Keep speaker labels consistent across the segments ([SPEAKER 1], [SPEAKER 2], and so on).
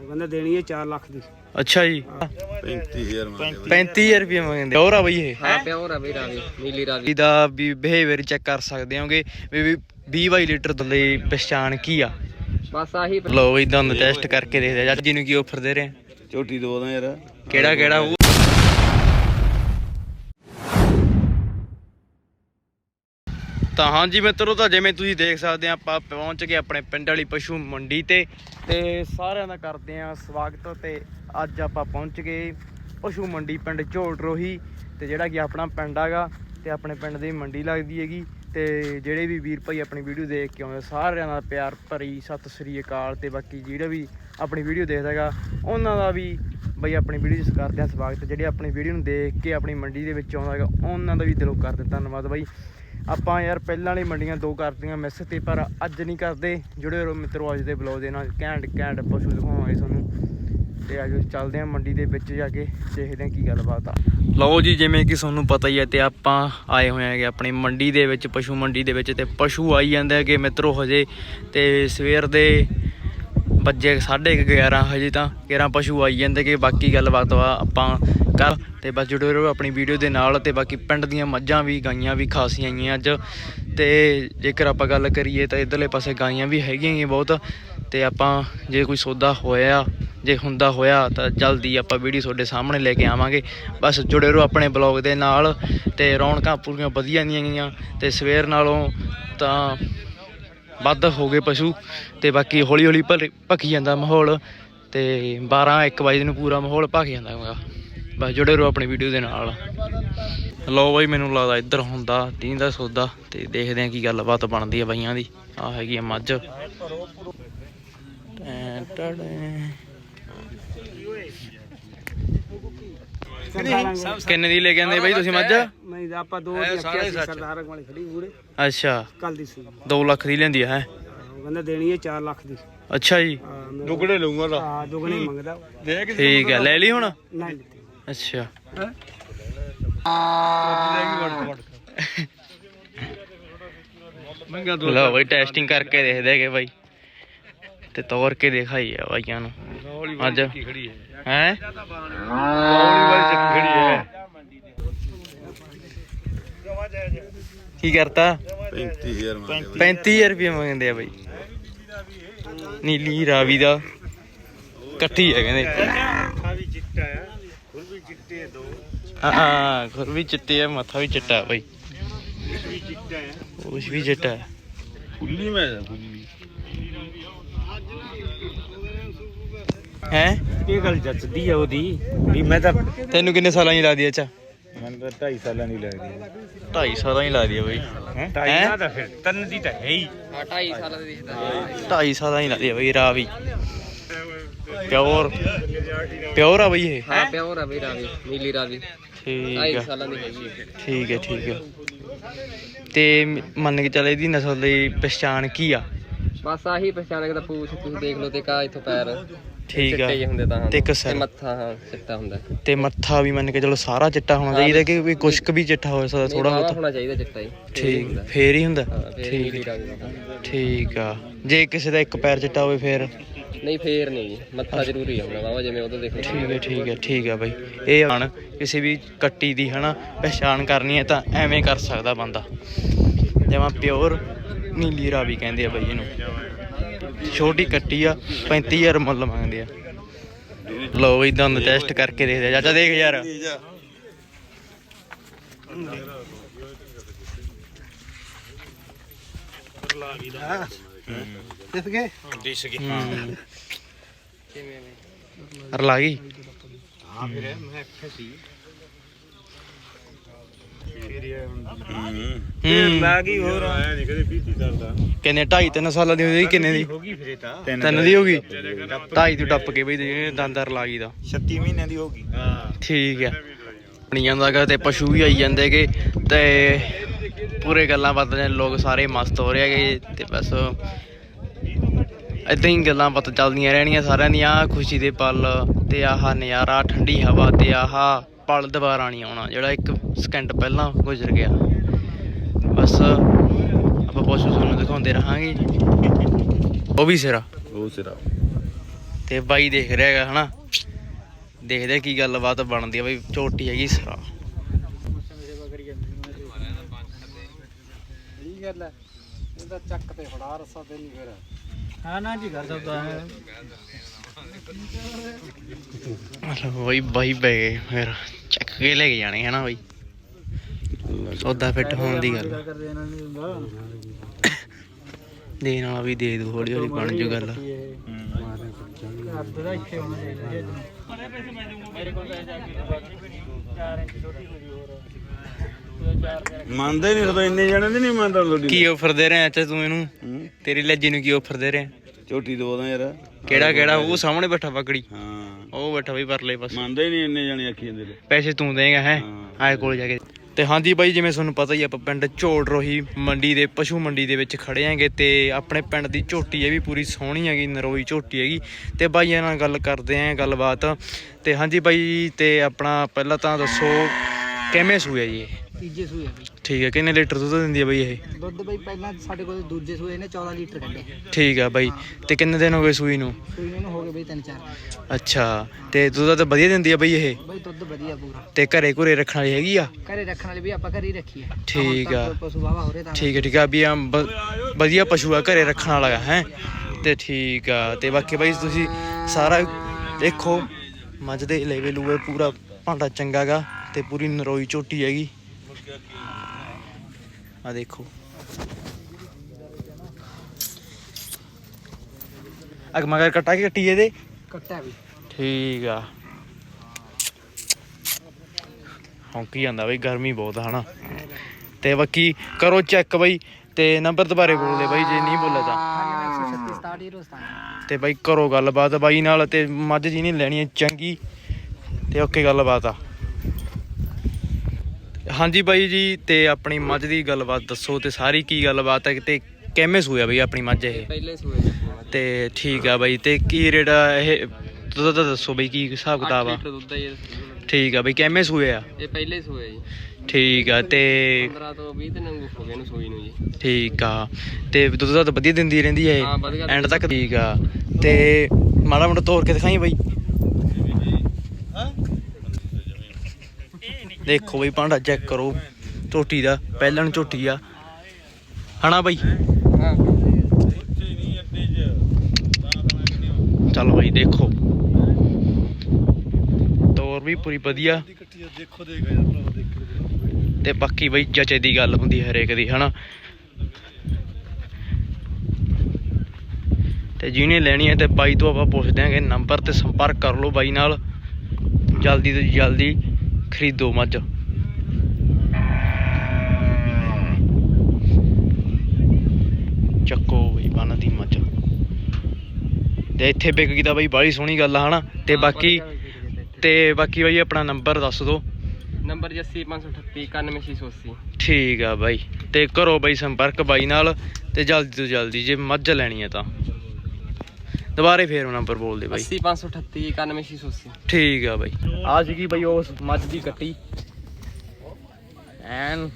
[SPEAKER 1] ਕਹਿੰਦਾ ਦੇਣੀ ਹੈ 4 ਲੱਖ ਦੀ।
[SPEAKER 2] ਅੱਛਾ ਜੀ 35000 ਰੁਪਏ ਮੰਗਦੇ। ਪਿਓਰ ਆ ਬਈ ਇਹ?
[SPEAKER 3] ਹਾਂ ਪਿਓਰ ਆ ਬਈ ਰਾਵੀ, ਨੀਲੀ ਰਾਵੀ
[SPEAKER 2] ਦਾ ਵੀ ਬਿਹੇਵੀਅਰ ਚੈੱਕ ਕਰ ਸਕਦੇ ਹੋਗੇ ਵੀ 20-22 ਲੀਟਰ ਦੁੱਧ ਦੀ ਪਛਾਣ ਕੀ ਆ।
[SPEAKER 3] ਬਸ ਆਹੀ।
[SPEAKER 2] ਲੋ ਬਈ ਤੁਹਾਨੂੰ ਟੈਸਟ ਕਰਕੇ ਦੇਖਦੇ ਆ ਜੀ ਨੂੰ ਕੀ ਆਫਰ ਦੇ ਰਹੇ ਆ।
[SPEAKER 4] ਝੋਟੀ ਦੋ ਦਾ ਯਾਰ
[SPEAKER 2] ਕਿਹੜਾ ਉਹ ਤਾਂ ਹਾਂਜੀ ਮਿੱਤਰੋ, ਤਾਂ ਜਿਵੇਂ ਤੁਸੀਂ ਦੇਖ ਸਕਦੇ ਆ ਆਪਾਂ ਪਹੁੰਚ ਗਏ ਆਪਣੇ ਪਿੰਡ ਵਾਲੀ ਪਸ਼ੂ ਮੰਡੀ ਤੇ ਸਾਰਿਆਂ ਦਾ ਕਰਦੇ ਆ ਸਵਾਗਤ। ਤੇ ਅੱਜ ਆਪਾਂ ਪਹੁੰਚ ਗਏ ਪਸ਼ੂ ਮੰਡੀ ਪਿੰਡ ਝੋਟਰੋਹੀ ਤੇ ਜਿਹੜਾ ਕਿ ਆਪਣਾ ਪਿੰਡ ਹੈਗਾ ਤੇ ਆਪਣੇ ਪਿੰਡ ਦੀ ਮੰਡੀ ਲੱਗਦੀ ਹੈਗੀ। ਤੇ ਜਿਹੜੇ ਵੀ ਵੀਰ ਭਾਈ ਆਪਣੀ ਵੀਡੀਓ ਦੇਖ ਕੇ ਆਉਂਦੇ ਸਾਰਿਆਂ ਦਾ ਪਿਆਰ ਭਰੀ ਸਤਿ ਸ੍ਰੀ ਅਕਾਲ। ਤੇ ਬਾਕੀ ਜਿਹੜਾ ਵੀ ਆਪਣੀ ਵੀਡੀਓ ਦੇਖਦਾ ਹੈਗਾ ਉਹਨਾਂ ਦਾ ਵੀ ਬਈ ਆਪਣੀ ਵੀਡੀਓ 'ਚ ਕਰਦੇ ਆ ਸਵਾਗਤ। ਜਿਹੜੇ ਆਪਣੀ ਵੀਡੀਓ ਨੂੰ ਦੇਖ ਕੇ ਆਪਣੀ ਮੰਡੀ ਦੇ ਵਿੱਚ ਆਉਂਦਾ ਹੈਗਾ ਉਹਨਾਂ ਦਾ ਵੀ ਦਿਲੋਂ ਕਰਦੇ ਧੰਨਵਾਦ ਬਾਈ। ਆਪਾਂ ਯਾਰ ਪਹਿਲਾਂ ਵਾਲੀ ਮੰਡੀਆਂ 2 ਕਰਦੀਆਂ ਮਿਸ ਤੇ ਪਰ ਅੱਜ ਨਹੀਂ ਕਰਦੇ। ਜੁੜੇ ਰਹੋ ਮਿੱਤਰੋ ਅੱਜ ਦੇ ਬਲੌਗ ਦੇ ਨਾਲ। ਘੈਂਟ ਪਸ਼ੂ ਦਿਖਾਵਾਂਗੇ ਤੁਹਾਨੂੰ। ਤੇ ਅੱਜ ਚੱਲਦੇ ਆ ਮੰਡੀ ਦੇ ਵਿੱਚ ਜਾ ਕੇ ਦੇਖਦੇ ਆ ਕੀ ਗੱਲਬਾਤ ਆ। ਲਓ ਜੀ, ਜਿਵੇਂ ਕਿ ਤੁਹਾਨੂੰ ਪਤਾ ਹੀ ਹੈ ਤੇ ਆਪਾਂ ਆਏ ਹੋਏ ਹੈਗੇ ਆਪਣੀ ਮੰਡੀ ਦੇ ਵਿੱਚ, ਪਸ਼ੂ ਮੰਡੀ ਦੇ ਵਿੱਚ। ਤੇ ਪਸ਼ੂ ਆਈ ਜਾਂਦੇ ਹੈਗੇ ਮਿੱਤਰੋ ਹਜੇ। ਤੇ ਸਵੇਰ ਦੇ ਵੱਜੇ 11:30 ਹਜੇ ਤਾਂ 11 ਪਸ਼ੂ ਆਈ ਜਾਂਦੇ ਕਿ ਬਾਕੀ ਗੱਲਬਾਤ ਆਪਾਂ ਕਰ। ਤੇ ਬਸ ਜੁੜੇ ਰਹੋ ਆਪਣੀ ਵੀਡੀਓ ਦੇ ਨਾਲ। ਤੇ ਬਾਕੀ ਪਿੰਡ ਦੀਆਂ ਮੱਝਾਂ ਵੀ ਗਾਈਆਂ ਵੀ ਖਾਸੀਆਂ ਆਈਆਂ ਅੱਜ। ਤੇ ਜੇਕਰ ਆਪਾਂ ਗੱਲ ਕਰੀਏ ਤਾਂ ਇੱਧਰਲੇ ਪਾਸੇ ਗਾਈਆਂ ਵੀ ਹੈਗੀਆਂ ਬਹੁਤ। ਤੇ ਆਪਾਂ ਜੇ ਕੋਈ ਸੌਦਾ ਹੋਇਆ ਜੇ ਹੁੰਦਾ ਹੋਇਆ ਤਾਂ ਜਲਦੀ ਆਪਾਂ ਵੀਡੀਓ ਤੁਹਾਡੇ ਸਾਹਮਣੇ ਲੈ ਕੇ ਆਵਾਂਗੇ। ਬਸ ਜੁੜੇ ਰਹੋ ਆਪਣੇ ਬਲੌਗ ਦੇ ਨਾਲ। ਤੇ ਰੌਣਕਾਂ ਪੂਰੀਆਂ ਵਧੀਆ ਦੀਆਂ ਗਈਆਂ ਤੇ ਸਵੇਰ ਨਾਲੋਂ ਤਾਂ ਵੱਧ ਹੋ ਗਏ ਪਸ਼ੂ। ਤੇ ਬਾਕੀ ਹੌਲੀ ਹੌਲੀ ਭਖੀ ਜਾਂਦਾ ਮਾਹੌਲ। ਤੇ 12-1 ਵਜੇ ਨੂੰ ਪੂਰਾ ਮਾਹੌਲ ਭਖ ਜਾਂਦਾ ਹੈਗਾ। ਬਸ ਜੁੜੇ ਰਹੋ ਆਪਣੀ ਵੀਡੀਓ ਦੇ ਨਾਲ। ਲਓ ਬਾਈ, ਮੈਨੂੰ ਲੱਗਦਾ ਇੱਧਰ ਹੁੰਦਾ 30 ਦਾ ਸੌਦਾ। ਤੇ ਦੇਖਦੇ ਹਾਂ ਕੀ ਗੱਲਬਾਤ ਬਣਦੀ ਆ ਬਾਈਆਂ ਦੀ। ਆਹ ਹੈਗੀ ਆ ਮੱਝ। ਕਿੰਨੇ ਦੀ ਲੈ ਕੇ ਆਂਦੇ ਬਾਈ ਤੁਸੀਂ ਮੱਝ?
[SPEAKER 1] ਨਹੀਂ ਆਪਾਂ 2 ਦੀ ਸਰਦਾਰ ਵਾਲੀ ਖੜੀ ਪੂਰੇ।
[SPEAKER 2] ਅੱਛਾ,
[SPEAKER 1] ਕੱਲ ਦੀ ਸੀ
[SPEAKER 2] 2 ਲੱਖ ਦੀ ਲੈਂਦੀ ਹੈ।
[SPEAKER 1] ਉਹ ਕਹਿੰਦਾ ਦੇਣੀ ਹੈ 4 ਲੱਖ ਦੀ।
[SPEAKER 2] ਅੱਛਾ ਜੀ,
[SPEAKER 4] ਦੁੱਗਣੇ ਲਊਂਗਾ ਤਾਂ।
[SPEAKER 1] ਹਾਂ ਦੁੱਗਣੇ ਮੰਗਦਾ।
[SPEAKER 2] ਠੀਕ ਹੈ, ਲੈ ਲਈ ਹੁਣ?
[SPEAKER 1] ਨਹੀਂ ਲਿੱਤੀ।
[SPEAKER 2] ਅੱਛਾ, ਲਓ ਬਾਈ ਟੈਸਟਿੰਗ ਕਰਕੇ ਦੇਖਦੇ ਹੈਗੇ ਬਾਈ। ਤੇ ਤੋਰ ਕੇ ਦਿਖਾਈ ਆ ਬਾਈਆਂ ਨੂੰ ਅੱਜ ਹੈ। ਕੀ ਕਰਤਾ? 35000 ਰੁਪਏ ਮੰਗਦੇ ਆ ਬਾਈ। ਨੀਲੀ ਰਾਵੀ ਦਾ ਇਕੱਠੀ ਹੈ ਕਹਿੰਦੇ। ਹਾਂ ਖੁਰ ਵੀ ਚਿੱਟੇ ਆ, ਮੱਥਾ ਵੀ ਚਿੱਟਾ ਬਾਈ। ਕੁਛ ਵੀ ਚਿੱਟਾ ਹੈ। ਹੈ
[SPEAKER 1] ਇਹ ਗੱਲ ਜੱਚਦੀ ਆ ਉਹਦੀ ਵੀ। ਮੈਂ ਤਾਂ
[SPEAKER 2] ਤੈਨੂੰ ਕਿੰਨੇ ਸਾਲਾਂ ਦੀ ਲੱਗਦੀ? ਅੱਛਾ
[SPEAKER 4] ਮੈਨੂੰ ਤਾਂ 2.5 ਸਾਲਾਂ ਦੀ ਲੱਗਦੀ
[SPEAKER 2] 2.5 ਸਾਲਾਂ ਦੀ ਲੱਗਦੀ ਆ ਬਾਈ।
[SPEAKER 1] ਢਾਈ ਦਾ ਫਿਰ 3 ਦੀ ਤਾਂ ਹੈ ਹੀ।
[SPEAKER 3] 2.5 ਸਾਲਾਂ ਦੀ ਦਿਖਦਾ।
[SPEAKER 2] 2.5 ਸਾਲਾਂ ਦੀ ਲੱਗਦੀ ਆ ਬਾਈ ਰਾਵੀ। ਪਿਓਰ ਆ ਬਾਈ ਇਹ?
[SPEAKER 3] ਹਾਂ ਪਿਓਰ ਆ ਬਈ ਰਾਵੀ, ਨੀਲੀ ਰਾਵੀ।
[SPEAKER 2] ਠੀਕ
[SPEAKER 3] 2.5
[SPEAKER 2] ਆ,
[SPEAKER 3] ਸਾਲਾਂ ਦੀ ਹੈਗੀ।
[SPEAKER 2] ਠੀਕ ਹੈ। ਤੇ ਮੰਨ ਕੇ ਚੱਲ ਇਹਦੀ ਨਸਲ ਦੀ ਪਛਾਣ ਕੀ ਆ?
[SPEAKER 3] ਬਸ ਆਹੀ ਪਛਾਣ ਦਾ ਪੂਛ ਤੁਸੀਂ ਦੇਖ ਲਓ ਤੇ ਕਾ ਇੱਥੋਂ ਪੈਰ
[SPEAKER 2] ਠੀਕ ਆ।
[SPEAKER 3] ਚਿੱਟੇ ਜਿਹੇ ਹੁੰਦੇ ਤਾਂ।
[SPEAKER 2] ਤੇ ਇੱਕ ਸਿਰ।
[SPEAKER 3] ਮੱਥਾ ਹਾਂ ਚਿੱਟਾ ਹੁੰਦਾ।
[SPEAKER 2] ਤੇ ਮੱਥਾ ਵੀ ਮੰਨ ਕੇ ਚਲੋ ਸਾਰਾ ਚਿੱਟਾ ਹੋਣਾ ਚਾਹੀਦਾ ਕਿ ਵੀ ਕੁਛ ਕੁ ਵੀ ਚਿੱਟਾ ਹੋ ਸਕਦਾ ਥੋੜਾ ਬਹੁਤ?
[SPEAKER 3] ਹੋਣਾ ਚਾਹੀਦਾ ਚਿੱਟਾ ਹੀ।
[SPEAKER 2] ਠੀਕ, ਫੇਰ ਹੀ ਹੁੰਦਾ।
[SPEAKER 3] ਨੀਲੀ
[SPEAKER 2] ਠੀਕ
[SPEAKER 3] ਰਾਵੀ ਦਾ।
[SPEAKER 2] ਠੀਕ ਆ। ਜੇ ਕਿਸੇ ਦਾ ਇੱਕ ਪੈਰ ਚਿੱਟਾ ਹੋਵੇ ਫੇਰ?
[SPEAKER 3] ਨਹੀਂ ਫੇਰ ਨਹੀਂ, ਮੱਥਾ ਜ਼ਰੂਰੀ ਹੁੰਦਾ ਬਾਬਾ ਜਿਵੇਂ ਉਹਦਾ ਦੇਖ ਲਓ।
[SPEAKER 2] ਠੀਕ ਹੈ ਬਾਈ। ਇਹ ਹਣ ਕਿਸੇ ਵੀ ਕੱਟੀ ਦੀ ਹਨਾ ਪਛਾਣ ਕਰਨੀ ਹੈ ਤਾਂ ਐਵੇਂ ਕਰ ਸਕਦਾ ਬੰਦਾ। ਜਿਵੇਂ ਪਿਓਰ ਨੀਲੀ ਰਾਵੀ ਕਹਿੰਦੇ ਆ ਬਾਈ ਇਹਨੂੰ। ਛੋਟੀ ਕੱਟੀ ਆ, 35000 ਮੁੱਲ ਮੰਗਦੇ ਆ। ਲਓ ਬਈ ਤੁਹਾਨੂੰ ਟੈਸਟ ਕਰਕੇ ਦੇਖਦੇ ਆ। ਚਾਚਾ ਦੇਖ ਯਾਰ। ਰਲਾ ਗਈ।
[SPEAKER 1] ਹਾਂ ਫਿਰ ਮੈਂ ਫਸੀ ਲਾ ਗਈ। ਹੋਰ ਨਹੀਂ ਕਦੇ 20 ਸਾਲ ਦਾ।
[SPEAKER 2] ਕਿੰਨੇ 2.5-3 ਸਾਲਾਂ ਦੀ ਹੋਈ? ਕਿੰਨੇ ਦੀ
[SPEAKER 1] ਹੋ ਗਈ ਫਿਰ? ਇਹ ਤਾਂ
[SPEAKER 2] 3 ਦੀ ਹੋ ਗਈ। 2.5 ਤੋਂ ਟੱਪ ਕੇ ਬਈ ਦੰਦਰ ਲਾ ਗਈ ਦਾ
[SPEAKER 1] 36 ਮਹੀਨਿਆਂ ਦੀ ਹੋ ਗਈ। ਹਾਂ
[SPEAKER 2] ਠੀਕ ਹੈ। ਬਣੀ ਜਾਂਦਾ ਗਾ ਤੇ ਪਸ਼ੂ ਵੀ ਆਈ ਜਾਂਦੇ ਹੈਗੇ ਤੇ ਪੂਰੇ ਗੱਲਾਂ ਬਾਤਾਂ ਲੋਕ ਸਾਰੇ ਮਸਤ ਹੋ ਰਹੇ ਹੈਗੇ। ਤੇ ਬਸ ਏਦਾਂ ਹੀ ਗੱਲਾਂ ਬਾਤਾਂ ਚੱਲਦੀਆਂ ਰਹਿਣੀਆਂ ਸਾਰਿਆਂ ਦੀਆਂ। ਖੁਸ਼ੀ ਦੇ ਪਲ ਤੇ ਆਹ ਨਜ਼ਾਰਾ, ਠੰਡੀ ਹਵਾ ਤੇ ਆਹ ਪਲ ਦੁਬਾਰਾ ਨਹੀਂ ਆਉਣਾ ਜਿਹੜਾ 1 ਸਕਿੰਟ ਪਹਿਲਾਂ ਗੁਜ਼ਰ ਗਿਆ। ਬਸ ਆਪਾਂ ਪਸ਼ੂ ਤੁਹਾਨੂੰ ਦਿਖਾਉਂਦੇ ਰਹਾਂਗੇ। ਉਹ ਵੀ ਸਿਰਾ ਤੇ ਬਾਈ ਦੇਖ ਰਿਹਾ ਹੈਗਾ ਹਨਾ, ਦੇਖਦੇ ਕੀ ਗੱਲਬਾਤ ਬਣਦੀ ਆ ਬਈ। ਝੋਟੀ ਹੈਗੀ ਸਰਾ
[SPEAKER 3] ਚੱਕ ਤੇ ਫੜਾ ਰਸਾ ਤੇ ਨਹੀਂ ਫਿਰ
[SPEAKER 1] ਹਾਂ ਨਾ ਜੀ ਕਰ ਸਕਦਾ ਹੈ।
[SPEAKER 2] ਬਈ ਬਾਈ ਬੈ ਗਏ ਫਿਰ ਚੱਕ ਕੇ ਲੈ ਕੇ ਜਾਣੇ ਹਨਾ ਬਈ, ਸੌਦਾ ਫਿੱਟ ਹੋਣ ਦੀ ਗੱਲ ਦੇਣ ਵਾਲਾ ਵੀ ਦੇ ਦੂ, ਹੌਲੀ ਹੌਲੀ ਬਣ ਜੂ ਗੱਲ।
[SPEAKER 4] ਮੰਨਦੇ ਨਹੀਂ ਸਦਾ, ਇੰਨੇ ਜਣੇ ਦੀ ਨਹੀਂ ਮੰਨਦਾ ਤੁਹਾਡੀ।
[SPEAKER 2] ਕੀ ਆਫਰ ਦੇ ਰਿਹਾ ਅੱਛਾ ਤੂੰ ਇਹਨੂੰ, ਤੇਰੀ ਲੱਜੀ ਨੂੰ ਕੀ ਆਫਰ ਦੇ ਰਿਹਾ?
[SPEAKER 4] ਝੋਟੀ ਦਵਾਦਾ ਯਾਰ।
[SPEAKER 2] ਕਿਹੜਾ ਉਹ ਸਾਹਮਣੇ ਬੈਠਾ ਪਕੜੀ,
[SPEAKER 4] ਹਾਂ
[SPEAKER 2] ਉਹ ਬੈਠਾ ਬਈ ਪਰਲੇ ਪਾਸੇ।
[SPEAKER 4] ਮੰਨਦੇ ਹੀ ਨਹੀਂ ਇੰਨੇ ਜਣੇ ਆਖੀ ਜਾਂਦੇ ਨੇ।
[SPEAKER 2] ਪੈਸੇ ਤੂੰ ਦੇਂਗਾ ਹੈ ਆਏ ਕੋਲ ਜਾ ਕੇ। ਤੇ ਹਾਂਜੀ ਬਾਈ, ਜਿਵੇਂ ਤੁਹਾਨੂੰ ਪਤਾ ਹੀ ਆਪਾਂ ਪਿੰਡ ਝੋੜ ਰੋਹੀ ਮੰਡੀ ਦੇ ਪਸ਼ੂ ਮੰਡੀ ਦੇ ਵਿੱਚ ਖੜੇ ਆਂਗੇ ਤੇ ਆਪਣੇ ਪਿੰਡ ਦੀ ਝੋਟੀ ਇਹ ਵੀ ਪੂਰੀ ਸੋਹਣੀ ਹੈਗੀ, ਨਰੋਈ ਝੋਟੀ ਹੈਗੀ ਤੇ ਬਾਈਆਂ ਨਾਲ ਗੱਲ ਕਰਦੇ ਆਂ ਗੱਲਬਾਤ। ਤੇ ਹਾਂਜੀ ਬਾਈ, ਤੇ ਆਪਣਾ ਪਹਿਲਾਂ ਤਾਂ ਦੱਸੋ ਕਿਵੇਂ ਸੂਆ ਜੀ ਇਹ?
[SPEAKER 5] ਤੀਜੇ ਸੂਏ ਬਈ।
[SPEAKER 2] ਠੀਕ ਹੈ, ਕਿੰਨੇ ਲੀਟਰ ਦੁੱਧ ਦਿੰਦੀ ਹੈ ਬਾਈ ਇਹ?
[SPEAKER 5] ਦੁੱਧ ਬਈ ਪਹਿਲਾਂ ਸਾਡੇ ਕੋਲ ਦੂਜੇ ਸੂਏ ਨੇ 14 ਲੀਟਰ ਕੱਢੇ।
[SPEAKER 2] ਠੀਕ ਆ ਬਾਈ, ਤੇ ਕਿੰਨੇ ਦਿਨ ਹੋ ਗਏ ਸੂਈ ਨੂੰ?
[SPEAKER 5] ਸੂਈ ਨੂੰ ਹੋ ਗਏ ਬਈ 3-4।
[SPEAKER 2] ਅੱਛਾ, ਤੇ ਦੁੱਧ ਤਾਂ ਵਧੀਆ ਦਿੰਦੀ ਆ ਬਾਈ ਇਹ?
[SPEAKER 5] ਬਈ ਦੁੱਧ ਵਧੀਆ ਪੂਰਾ।
[SPEAKER 2] ਤੇ ਘਰੇ ਘੁਰੇ ਰੱਖਣ ਵਾਲੀ ਹੈਗੀ ਆ?
[SPEAKER 5] ਘਰੇ ਰੱਖਣ ਵਾਲੀ ਵੀ ਆਪਾਂ ਘਰੇ ਹੀ ਰੱਖੀ ਆ।
[SPEAKER 2] ਠੀਕ ਆ,
[SPEAKER 5] ਪਸ਼ੂ ਵਾਵਾ ਹੋ ਰਹੇ ਤਾਂ
[SPEAKER 2] ਠੀਕ ਆ ਵੀ ਆ ਵਧੀਆ ਪਸ਼ੂ ਆ, ਘਰੇ ਰੱਖਣ ਵਾਲਾ ਹੈ। ਤੇ ਠੀਕ ਆ, ਤੇ ਬਾਕੀ ਬਾਈ ਤੁਸੀਂ ਸਾਰਾ ਦੇਖੋ, ਮੱਝ ਦੇ ਲੇਵੇ ਲੂਵੇ ਪੂਰਾ ਭਾਂਡਾ ਚੰਗਾ ਗਾ ਤੇ ਪੂਰੀ ਨਰੋਈ ਝੋਟੀ ਹੈਗੀ ਆ ਦੇਖੋ। ਅਗ ਮਗਰ ਕਟਾ ਕੇ ਕੱਟੀ ਇਹਦੇ
[SPEAKER 5] ਕੱਟਿਆ ਵੀ।
[SPEAKER 2] ਠੀਕ ਆ, ਹੌਂਕੀ ਜਾਂਦਾ ਬਈ, ਗਰਮੀ ਬਹੁਤ ਆ ਹਨਾ। ਤੇ ਬਾਕੀ ਕਰੋ ਚੈੱਕ ਬਈ, ਤੇ ਨੰਬਰ ਦੁਬਾਰੇ ਬੋਲਦੇ ਬਾਈ ਜੇ ਨਹੀਂ ਬੋਲਿਆ ਤਾਂ।
[SPEAKER 5] 136
[SPEAKER 2] ਤੇ ਬਾਈ ਕਰੋ ਗੱਲਬਾਤ ਬਾਈ ਨਾਲ, ਤੇ ਮੱਝ ਜੀ ਨਹੀਂ ਲੈਣੀ ਚੰਗੀ ਤੇ ਓਕੇ ਗੱਲਬਾਤ ਆ। ਹਾਂਜੀ ਬਾਈ ਜੀ, ਤੇ ਆਪਣੀ ਮੱਝ ਦੀ ਗੱਲਬਾਤ ਦੱਸੋ ਤੇ ਸਾਰੀ ਕੀ ਗੱਲਬਾਤ ਹੈ ਤੇ ਕਿਵੇਂ ਸੂਇਆ ਬਈ ਆਪਣੀ ਮੱਝ ਇਹ?
[SPEAKER 3] ਪਹਿਲੇ ਸੂਏ
[SPEAKER 2] ਤੇ ਠੀਕ ਆ ਬਾਈ, ਤੇ ਕੀ ਰੇਟ ਆ ਇਹ ਦੁੱਧ ਦਾ ਦੱਸੋ ਬਈ, ਕੀ ਹਿਸਾਬ ਕਿਤਾਬ ਆ?
[SPEAKER 3] ਦੁੱਧ ਹੈ
[SPEAKER 2] ਠੀਕ ਆ ਬਈ, ਕਿਵੇਂ ਸੂਏ ਆ?
[SPEAKER 3] ਇਹ ਪਹਿਲੇ ਸੂਏ ਜੀ।
[SPEAKER 2] ਠੀਕ ਆ, ਤੇ
[SPEAKER 3] 15 ਤੋਂ 20 ਦਿਨ ਹੋ ਗਏ ਇਹਨੂੰ ਸੂਈ ਨੂੰ ਜੀ।
[SPEAKER 2] ਠੀਕ ਆ, ਤੇ ਦੁੱਧ ਦਾ ਤਾਂ ਵਧੀਆ ਦਿੰਦੀ ਰਹਿੰਦੀ ਹੈ
[SPEAKER 3] ਹਾਂ, ਵਧੀਆ
[SPEAKER 2] ਐਂਡ ਤੱਕ? ਠੀਕ ਆ, ਤੇ ਮਾੜਾ ਮੋਟਾ ਤੋੜ ਕੇ ਦਿਖਾਈ ਬਾਈ। ਦੇਖੋ ਬਈ ਭਾਂਡਾ ਚੈੱਕ ਕਰੋ ਝੋਟੀ ਦਾ, ਪਹਿਲਣ ਝੋਟੀ ਆ ਹਨਾ ਬਾਈ?
[SPEAKER 3] ਹਾਂ
[SPEAKER 2] ਚਲੋ ਬਾਈ ਦੇਖੋ, ਤੋਰ ਵੀ ਪੂਰੀ ਵਧੀਆ। ਤੇ ਬਾਕੀ ਬਈ ਚਾਚੇ ਦੀ ਗੱਲ ਹੁੰਦੀ ਹਰੇਕ ਦੀ ਹਨਾ। ਤੇ ਜਿਹਨੇ ਲੈਣੀ ਹੈ ਤੇ ਬਾਈ ਤੋਂ ਆਪਾਂ ਪੁੱਛ ਦਿਆਂਗੇ ਨੰਬਰ ਤੇ ਸੰਪਰਕ ਕਰ ਲਓ ਬਾਈ ਨਾਲ, ਜਲਦੀ ਤੋਂ ਜਲਦੀ ਖਰੀਦੋ ਮੱਝ। ਚੱਕੋ ਬਈ ਬੰਨ ਦੀ ਮੱਝ, ਤੇ ਇੱਥੇ ਵਿਕ ਗਈ ਤਾਂ ਬਾਈ ਬਾਹਲੀ ਸੋਹਣੀ ਗੱਲ ਆ ਹਨਾ। ਤੇ ਬਾਕੀ ਬਾਈ ਆਪਣਾ ਨੰਬਰ ਦੱਸ ਦਿਓ।
[SPEAKER 3] ਨੰਬਰ 80538 91680।
[SPEAKER 2] ਠੀਕ ਆ ਬਾਈ, ਤੇ ਕਰੋ ਬਾਈ ਸੰਪਰਕ ਬਾਈ ਨਾਲ, ਤੇ ਜਲਦੀ ਤੋਂ ਜਲਦੀ ਜੇ ਮੱਝ ਲੈਣੀ ਹੈ ਤਾਂ। ਦੁਬਾਰੇ ਫੇਰ ਨੰਬਰ ਬੋਲ ਦੇ ਬਾਈ।
[SPEAKER 3] 80538 91680।
[SPEAKER 2] ਠੀਕ ਆ ਬਾਈ, ਆ ਸੀਗੀ ਬਾਈ ਉਸ ਮੱਝ ਦੀ ਕੱਟੀ ਐਨ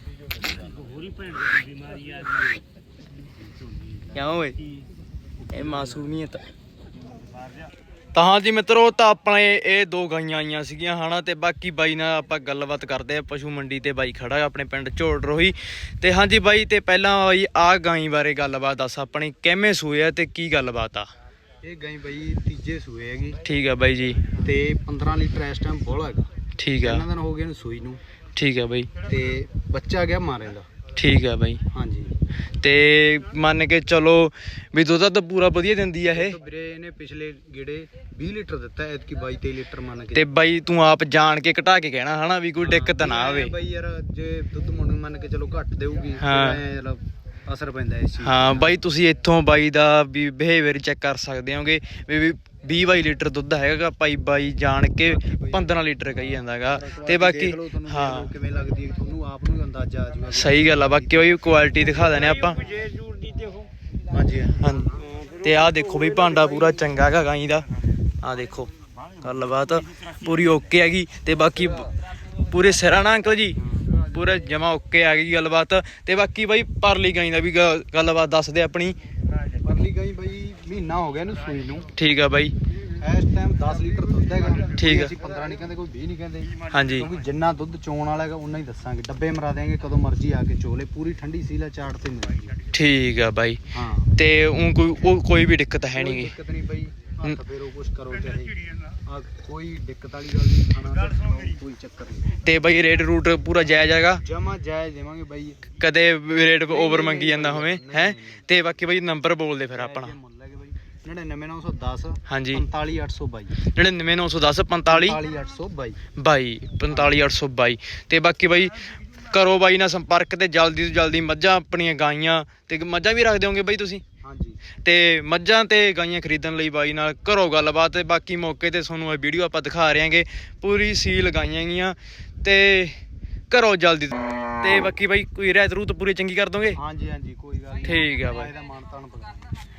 [SPEAKER 2] ਕਿਉਂ ਓਏ, ਇਹ ਮਾਸੂਮੀਅਤ। ਤਾਂ ਹਾਂਜੀ ਮਿੱਤਰੋ, ਤਾਂ ਆਪਣੇ ਇਹ ਦੋ ਗਾਈਆਂ ਆਈਆਂ ਸੀਗੀਆਂ ਹਨਾ। ਤੇ ਬਾਕੀ ਬਾਈ ਨਾਲ ਆਪਾਂ ਗੱਲਬਾਤ ਕਰਦੇ ਆ ਪਸ਼ੂ ਮੰਡੀ ਤੇ। ਬਾਈ ਖੜਾ ਆਪਣੇ ਪਿੰਡ ਝੋੜ ਰੋਹੀ। ਤੇ ਹਾਂਜੀ ਬਾਈ, ਤੇ ਪਹਿਲਾਂ ਬਾਈ ਆਹ ਗਾਈ ਬਾਰੇ ਗੱਲਬਾਤ ਦੱਸ ਆਪਣੀ, ਕਿਵੇਂ ਸੂਏ ਆ ਤੇ ਕੀ ਗੱਲਬਾਤ ਆ?
[SPEAKER 5] ਇਹ ਗਾਈ ਬਈ ਤੀਜੇ ਸੂਏ ਹੈਗੀ।
[SPEAKER 2] ਠੀਕ ਆ ਬਾਈ ਜੀ,
[SPEAKER 5] ਤੇ 15 ਲੀਟਰ ਇਸ ਟਾਈਮ ਬੋਲਾ ਹੈਗਾ।
[SPEAKER 2] ਠੀਕ ਆ,
[SPEAKER 5] 3 ਦਿਨ ਹੋ ਗਏ ਇਹਨੂੰ ਸੂਈ ਨੂੰ।
[SPEAKER 2] ਠੀਕ ਆ ਬਾਈ,
[SPEAKER 5] ਤੇ ਬੱਚਾ ਗਿਆ ਮਾਰੇ ਦਾ।
[SPEAKER 2] ਠੀਕ ਆ ਬਾਈ।
[SPEAKER 5] ਹਾਂਜੀ,
[SPEAKER 2] ਤੇ ਮੰਨ ਕੇ ਚਲੋ ਵੀ ਦੁੱਧ ਤਾਂ ਪੂਰਾ ਵਧੀਆ ਦਿੰਦੀ ਆ ਇਹ?
[SPEAKER 5] ਵੀਰੇ ਇਹਨੇ ਪਿਛਲੇ ਗੇੜੇ 20 ਲੀਟਰ ਦਿੱਤਾ, ਐਤਕੀ 22-23 ਲੀਟਰ ਮੰਨ ਕੇ।
[SPEAKER 2] ਤੇ ਬਾਈ ਤੂੰ ਆਪ ਜਾਣ ਕੇ ਘਟਾ ਕੇ ਕਹਿਣਾ ਹਨਾ ਵੀ ਕੋਈ ਦਿੱਕਤ ਨਾ ਆਵੇ।
[SPEAKER 5] ਬਾਈ ਯਾਰ ਜੇ ਦੁੱਧ ਮੁੰਨ ਮੰਨ ਕੇ ਚਲੋ ਘੱਟ ਦੇਊਗੀ,
[SPEAKER 2] ਹਾਂ।
[SPEAKER 5] ਚਲੋ ਅਸਰ ਪੈਂਦਾ ਇਸ ਚੀਜ਼।
[SPEAKER 2] ਹਾਂ ਬਾਈ, ਤੁਸੀਂ ਇੱਥੋਂ ਬਾਈ ਦਾ ਵੀ ਬਿਹੇਵੀਅਰ ਚੈੱਕ ਕਰ ਸਕਦੇ ਹੋਗੇ ਵੀ 20-22 ਲੀਟਰ ਦੁੱਧ ਹੈਗਾ ਭਾਈ। ਬਾਈ ਜਾਣ ਕੇ 15 ਲੀਟਰ ਕਹੀ ਜਾਂਦਾਗਾ। ਤੇ ਬਾਕੀ ਹਾਂ,
[SPEAKER 5] ਕਿਵੇਂ ਲੱਗਦੀ ਹੈ ਤੁਹਾਨੂੰ ਆਪ ਨੂੰ ਅੰਦਾਜ਼ਾ ਆ ਜਾਊਗਾ।
[SPEAKER 2] ਸਹੀ ਗੱਲ ਆ। ਬਾਕੀ ਉਹ ਕੁਆਲਿਟੀ ਦਿਖਾ ਦਿੰਦੇ ਆਪਾਂ।
[SPEAKER 5] ਹਾਂਜੀ
[SPEAKER 2] ਹਾਂਜੀ, ਤੇ ਆਹ ਦੇਖੋ ਬਈ ਭਾਂਡਾ ਪੂਰਾ ਚੰਗਾ ਹੈਗਾ ਗਾਈ ਦਾ। ਆਹ ਦੇਖੋ ਗੱਲਬਾਤ ਪੂਰੀ ਓਕੇ ਹੈਗੀ। ਤੇ ਬਾਕੀ ਪੂਰੇ ਸਿਰਾਂ ਨਾ ਅੰਕਲ ਜੀ, ਪੂਰਾ ਜਮਾ ਓਕੇ ਆ ਗਈ ਗੱਲਬਾਤ। ਤੇ ਬਾਕੀ ਬਾਈ ਪਰਲੀ ਗਾਈ ਦਾ ਵੀ ਗੱਲਬਾਤ ਦੱਸ ਦੇ ਆਪਣੀ।
[SPEAKER 5] ਪਰਲੀ ਗਾਈ ਬਾਈ ਮਹੀਨਾ ਹੋ ਗਿਆ ਇਹਨੂੰ ਸੂਈ ਨੂੰ।
[SPEAKER 2] ਠੀਕ ਆ ਬਾਈ।
[SPEAKER 5] ਇਸ ਟਾਈਮ 10 ਲੀਟਰ ਦੁੱਧ ਹੈਗਾ।
[SPEAKER 2] ਠੀਕ ਆ।
[SPEAKER 5] ਅਸੀਂ 15 ਨਹੀਂ ਕਹਿੰਦੇ, ਕੋਈ 20 ਨਹੀਂ ਕਹਿੰਦੇ,
[SPEAKER 2] ਹਾਂਜੀ
[SPEAKER 5] ਕਿਉਂਕਿ ਜਿੰਨਾ ਦੁੱਧ ਚੋਣ ਵਾਲਾ ਹੈਗਾ ਉਨਾ ਹੀ ਦੱਸਾਂਗੇ। ਡੱਬੇ ਮਰਾ ਦੇਾਂਗੇ, ਕਦੋਂ ਮਰਜ਼ੀ ਆ ਕੇ ਚੋਲੇ, ਪੂਰੀ ਠੰਡੀ ਸੀਲਾ ਚਾਟ ਤੇ ਮਿਲੇਗੀ।
[SPEAKER 2] ਠੀਕ ਆ ਬਾਈ।
[SPEAKER 5] ਹਾਂ
[SPEAKER 2] ਤੇ ਕੋਈ ਵੀ ਦਿੱਕਤ ਹੈ ਨਹੀਂ ਗੀ।
[SPEAKER 5] ਦਿੱਕਤ ਨਹੀਂ ਬਈ, ਹੱਥ ਫੇਰੋ ਕੁਛ ਕਰੋ ਚਾਹੇ, ਕੋਈ ਦਿੱਕਤ ਵਾਲੀ ਗੱਲ ਨਹੀਂ, ਖਾਣਾ ਕੋਈ ਚੱਕਰ ਨਹੀਂ।
[SPEAKER 2] ਤੇ ਬਾਈ ਰੇਟ ਰੂਟ ਪੂਰਾ ਜਾਇਜ਼ ਹੈਗਾ,
[SPEAKER 5] ਜਮਾ ਜਾਇਜ਼ ਦੇਵਾਂਗੇ ਬਾਈ।
[SPEAKER 2] ਕਦੇ ਰੇਟ ਓਵਰ ਮੰਗੀ ਜਾਂਦਾ ਹੋਵੇ ਹੈ। ਤੇ ਬਾਕੀ ਬਾਈ ਨੰਬਰ ਬੋਲ ਦੇ ਫਿਰ ਆਪਣਾ।
[SPEAKER 5] 99
[SPEAKER 2] ਹਾਂਜੀ
[SPEAKER 5] 45822
[SPEAKER 2] 99 910 45
[SPEAKER 5] 45822
[SPEAKER 2] 45822 ਤੇ ਬਾਕੀ ਬਾਈ ਕਰੋ ਬਾਈ ਨਾਲ ਸੰਪਰਕ ਤੇ ਜਲਦੀ ਤੋਂ ਜਲਦੀ ਮੱਝਾਂ ਆਪਣੀਆਂ ਗਾਈਆਂ ਤੇ ਮੱਝਾਂ ਵੀ ਰੱਖ ਦਿਓਗੇ ਬਾਈ ਤੁਸੀਂ?
[SPEAKER 5] ਹਾਂਜੀ
[SPEAKER 2] ਤੇ ਮੱਝਾਂ ਤੇ ਗਾਈਆਂ ਖਰੀਦਣ ਲਈ ਬਾਈ ਨਾਲ ਕਰੋ ਗੱਲਬਾਤ। ਤੇ ਬਾਕੀ ਮੌਕੇ ਤੇ ਤੁਹਾਨੂੰ ਇਹ ਵੀਡੀਓ ਆਪਾਂ ਦਿਖਾ ਰਹੇ ਹਾਂਗੇ, ਪੂਰੀ ਸੀਲ ਗਾਈਆਂ ਗੀਆਂ ਤੇ ਕਰੋ ਜਲਦੀ। ਤੇ ਬਾਕੀ ਬਾਈ ਕੋਈ ਰਹਿਤ ਰੂਤ ਪੂਰੀ ਚੰਗੀ ਕਰ ਦੋਗੇ?
[SPEAKER 5] ਹਾਂਜੀ ਕੋਈ ਗੱਲ ਨਹੀਂ,
[SPEAKER 2] ਠੀਕ ਆ ਬਾਈ।
[SPEAKER 5] ਇਹਦਾ ਮਾਨਤਾਨ ਪਕਾ